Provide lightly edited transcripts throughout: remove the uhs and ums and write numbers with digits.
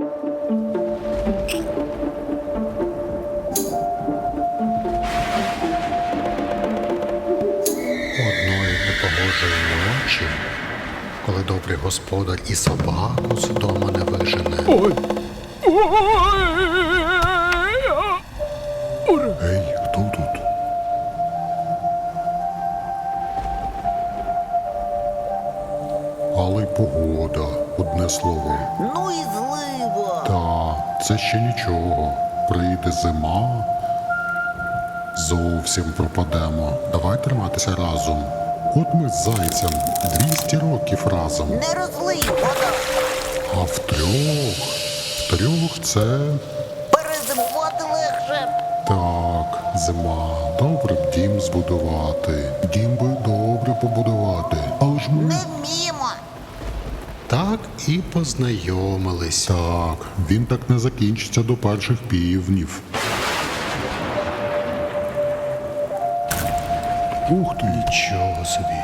Одної непогожої ночі, коли добрий господар і собаку з дому не вижене. Ой! Ей, хто тут? Але й погода, одне слово. Ну і злива. Та, це ще нічого. Прийде зима, зовсім пропадемо. Давай триматися разом. От ми з зайцем 200 років разом. Не розлий вода. А втрьох це... Перезимувати легше. Так, зима. Добре б дім збудувати. Дім би добре побудувати. Але ж ми... Не вміємо. Так і познайомились. Так, він так не закінчиться до перших півнів. Ух ти! Нічого собі.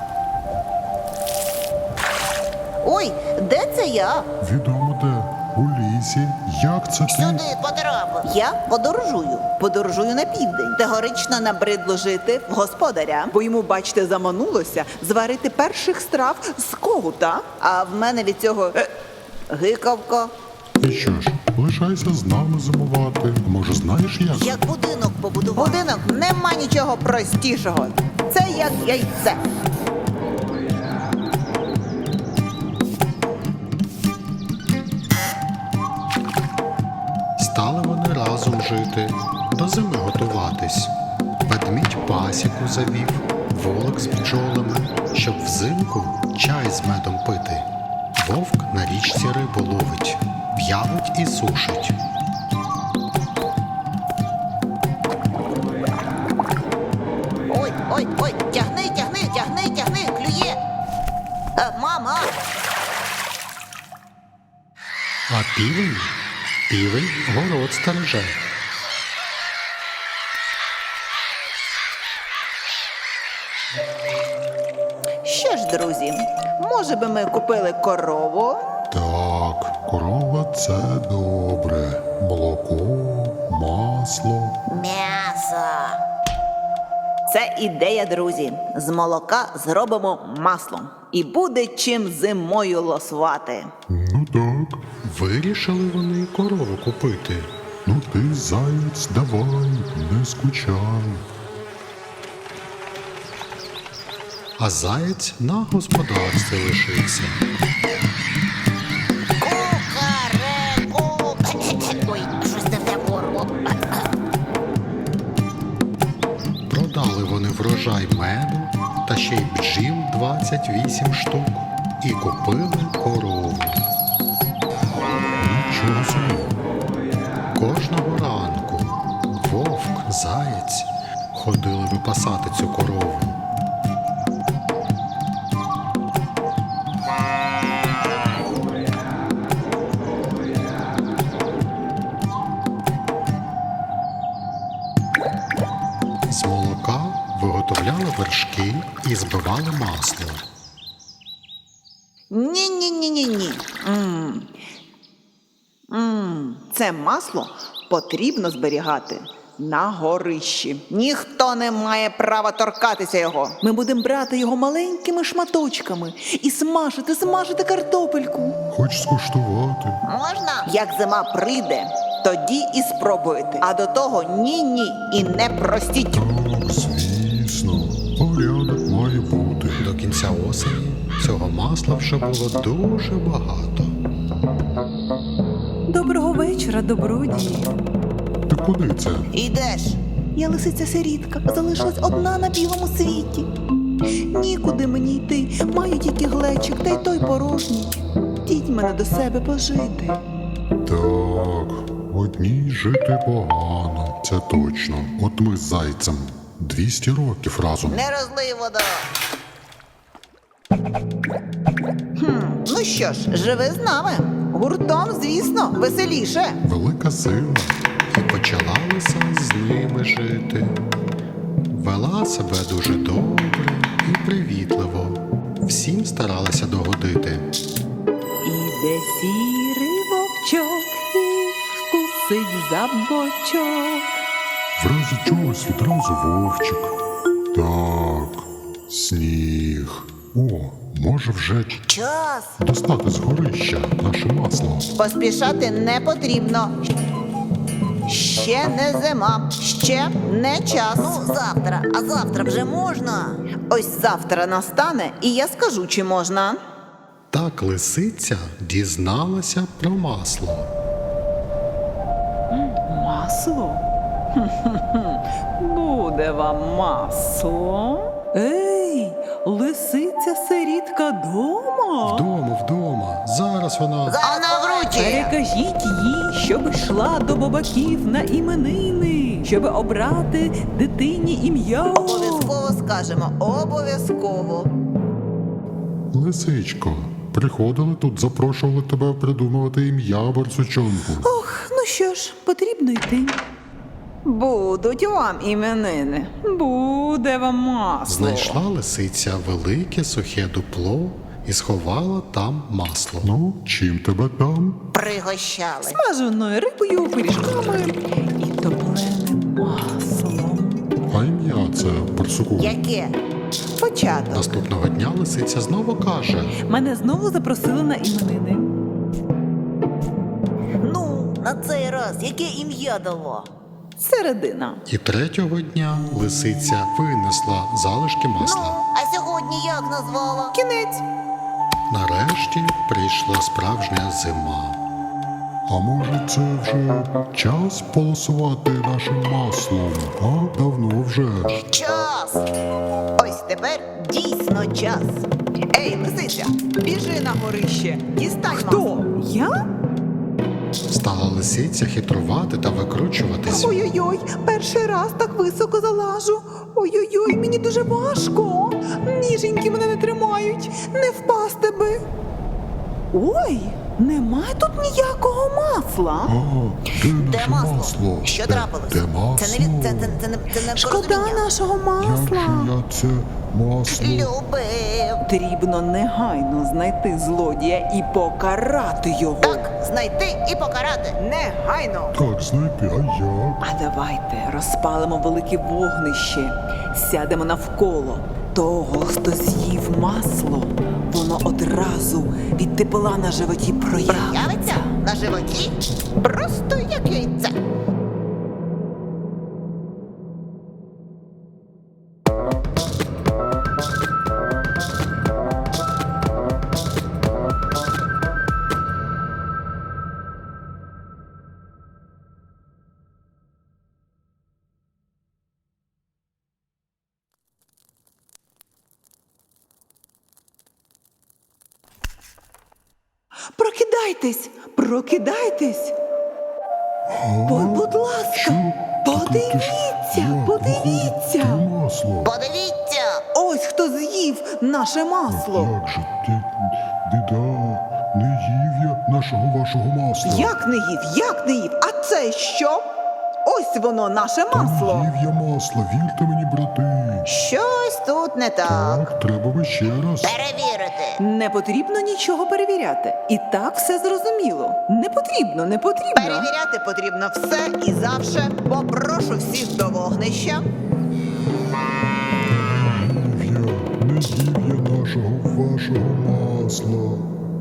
Ой, де це я? Відомо де. У лісі. Як це ти? Сюди потрапив. Я подорожую. Подорожую на південь. Тегорично набридло жити в господаря, бо йому, бачите, заманулося зварити перших страв з когута. А в мене від цього гикавка. І що ж, лишайся з нами зимувати. Може, знаєш як? Як будинок побудував. Будинок нема нічого простішого. Це як яйце. Стали вони разом жити, до зими готуватись. Ведмідь пасіку завів, волок з бджолами, щоб взимку чай з медом пити. Вовк на річці рибу ловить, в'явить і сушить. Ой, ой, ой, тягни, клює. Мама. А півень город стереже. Що ж, друзі, може би ми купили корову? Так, корова – це добре. Молоко, масло. М'ясо. Це ідея, друзі. З молока зробимо масло. І буде чим зимою лосувати. Ну так. Вирішили вони корову купити. Ну ти, заєць, давай, не скучай. А заєць на господарстві лишився. Кукареку. Ой, щось не в те горло. Продали вони врожай меду та ще й бджіл 28 штук і купили корову. Нічого собі. Кожного ранку вовк, заєць ходили випасати цю корову. З молока виготовляли вершки і збивали масло. Ні-ні-ні-ні-ні. Це масло потрібно зберігати на горищі. Ніхто не має права торкатися його. Ми будемо брати його маленькими шматочками і смажити картопельку. Хоч скуштувати. Можна? Як зима прийде, тоді і спробуйте. А до того ні-ні і не простіть. Так, звісно, порядок має бути. До кінця осені цього масла вже було дуже багато. Доброго вечора, добродії. Ти куди це? Ідеш. Я лисиця-сирітка, залишилась одна на білому світі. Нікуди мені йти, маю тільки глечик, та й той порожній. Діть мене до себе пожити. Так, одній жити погано, це точно. От ми з зайцем 200 років разом. Не розлий вода. Ну що ж, живи з нами. Гуртом, звісно, веселіше. Велика сила. І почала лиса з ними жити. Вела себе дуже добре і привітливо. Всім старалася догодити. Іде сірий вовчок трусить за бочок. В разі чогось відразу вовчик. Так, сніг. О, може вже Час! достати з горища наше масло. Поспішати не потрібно. Ще не зима, ще не час. Ну, завтра, а завтра вже можна. Ось завтра настане, і я скажу, чи можна. Так лисиця дізналася про масло. Масло? Буде вам масло. Ей, лисиця сирітка дома? Вдома, зараз вона. Вона вручі. Перекажіть їй, щоб йшла до бабаків на іменини, щоб обрати дитині ім'я. Обов'язково скажемо, обов'язково. Лисичко, приходили тут, запрошували тебе придумувати ім'я барсучонку. Ох, ну що ж, потрібно йти. Будуть вам іменини, буде вам масло. Знайшла лисиця велике сухе дупло і сховала там масло. Ну, чим тебе там? Пригощали. Смаженою рибою, пиріжками і топленим маслом. А ім'я це барсуку. Яке? Початок. Наступного дня лисиця знову каже: Мене знову запросили на іменини. Ну, на цей раз яке ім'я дало? Середина. і третього дня лисиця винесла залишки Ну, масла. а сьогодні як назвала? Кінець. Нарешті прийшла справжня зима. А може це вже час полосувати нашим маслом? А давно вже. Час. Ось тепер дійсно час. Ей, лисиця, біжи на горище, дістань масло. Хто? Я? Стала лисиця хитрувати та викручуватись. Ой-ой-ой, перший раз так високо залажу. Ой-ой-ой, мені дуже важко. Ніженьки мене не тримають, не впасти би. Ой, немає тут ніякого масла. А, де Де наше масло? масло? Що Де- трапилось? Де масло? Це не від це не Шкода порозуміння. нашого Як масла. же я це масло? Любив. Потрібно негайно знайти злодія і покарати його. Так, знайти і покарати. Негайно. Так, знайти, а як? А давайте розпалимо велике вогнище, сядемо навколо того, хто з'їв масло. Воно одразу від тепла на животі Явиться проявиться. на животі просто як яйце. Прокидайтесь, прокидайтесь. Будь ласка, Що? подивіться, Як подивіться. виходить те масло? Подивіться. Ось хто з'їв наше масло. Як же ти, біда, не їв я нашого вашого масла. Як не їв, як не їв? А це що? Ось воно, наше Та не масло. їв я масло, вірте мені, брати. Щось тут не так. Так, треба би ще раз. Перевірити. Не потрібно нічого перевіряти. І так все зрозуміло. Не потрібно, не потрібно. Перевіряти потрібно все і завше. Попрошу всіх до вогнища. Не їв я нашого вашого масла.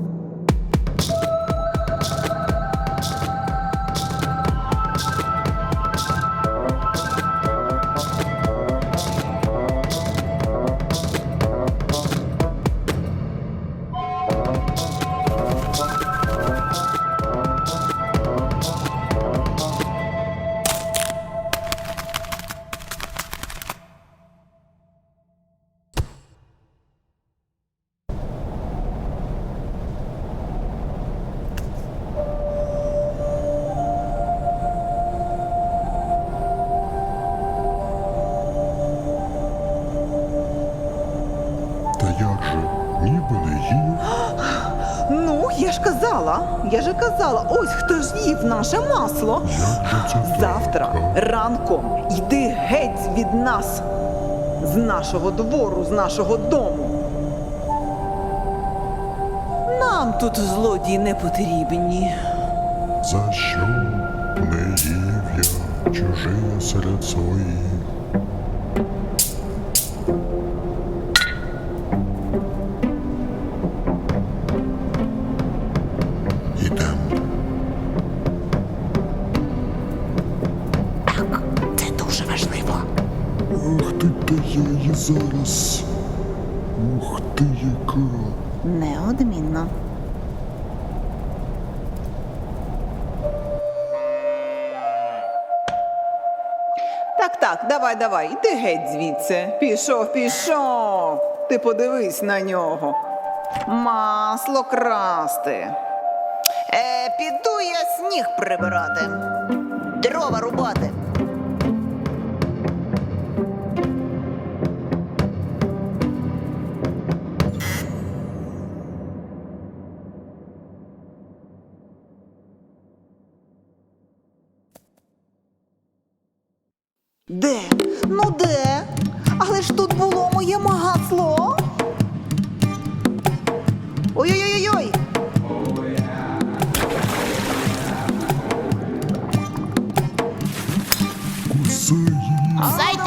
Та як же, ніби не їв. Ну, я ж казала, ось хто ж їв наше масло. Як же це так? Завтра ранком йди геть від нас, з нашого двору, з нашого дому. Нам тут злодії не потрібні. За що? Не їв я чужие серед своїх. Ідем. Це дуже важливо. Ах ти, та я її зараз. Ух ти, яка. Неодмінно. Так, давай, іди геть звідси. Пішов. Ти подивись на нього. Масло красти. Піду я сніг прибирати. Дрова рубати. Де? Ну де? Але ж тут було моє масло. Ой-ой-ой-ой! Усе її. Зайчик